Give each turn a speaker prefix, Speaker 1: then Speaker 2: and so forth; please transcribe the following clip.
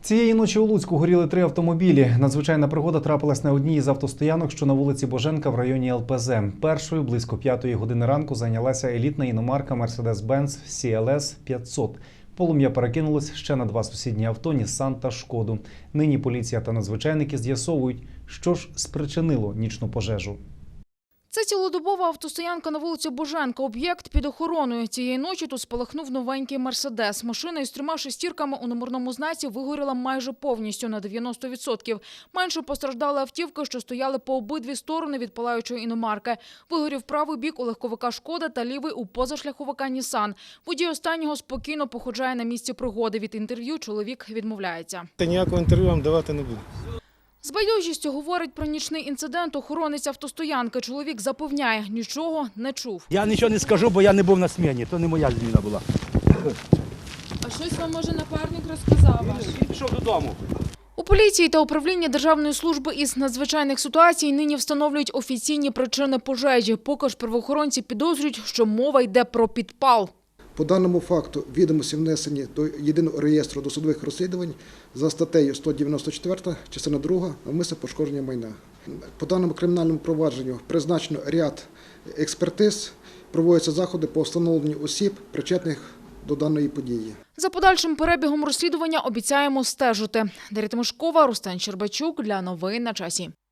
Speaker 1: Цієї ночі у Луцьку горіли 3 автомобілі. Надзвичайна пригода трапилась на одній із автостоянок, що на вулиці Боженка в районі ЛПЗ. Першою близько 5-ї години ранку зайнялася елітна іномарка Mercedes-Benz CLS 500. Полум'я перекинулось ще на 2 сусідні авто – Нісан та Шкоду. Нині поліція та надзвичайники з'ясовують, що ж спричинило нічну пожежу.
Speaker 2: Це цілодобова автостоянка на вулиці Боженка. Об'єкт під охороною. Цієї ночі тут спалахнув новенький «Мерседес». Машина із 3 шестірками у номерному знаці вигоріла майже повністю на 90%. Менше постраждали автівки, що стояли по обидві сторони від палаючої іномарки. Вигорів правий бік у легковика «Шкода» та лівий у позашляховика «Нісан». Водій останнього спокійно походжає на місці пригоди. Від інтерв'ю чоловік відмовляється.
Speaker 3: Ніякого інтерв'ю вам давати не буду.
Speaker 2: З байдужістю говорить про нічний інцидент охоронець автостоянки. Чоловік запевняє, нічого не чув.
Speaker 4: Я нічого не скажу, бо я не був на сміні, то не моя зміна була.
Speaker 5: А щось вам, може, напарник розказав ваш?
Speaker 4: Він пішов додому.
Speaker 2: У поліції та управлінні Державної служби із надзвичайних ситуацій нині встановлюють офіційні причини пожежі. Поки ж правоохоронці підозрюють, що мова йде про підпал.
Speaker 6: По даному факту відомості внесені до Єдиного реєстру досудових розслідувань за статтею 194, частина 2, навмисне пошкодження майна. По даному кримінальному провадженню призначено ряд експертиз, проводяться заходи по встановленню осіб, причетних до даної події.
Speaker 2: За подальшим перебігом розслідування обіцяємо стежити. Дар'я Тимошкова, Рустем Щербачук для новин на часі.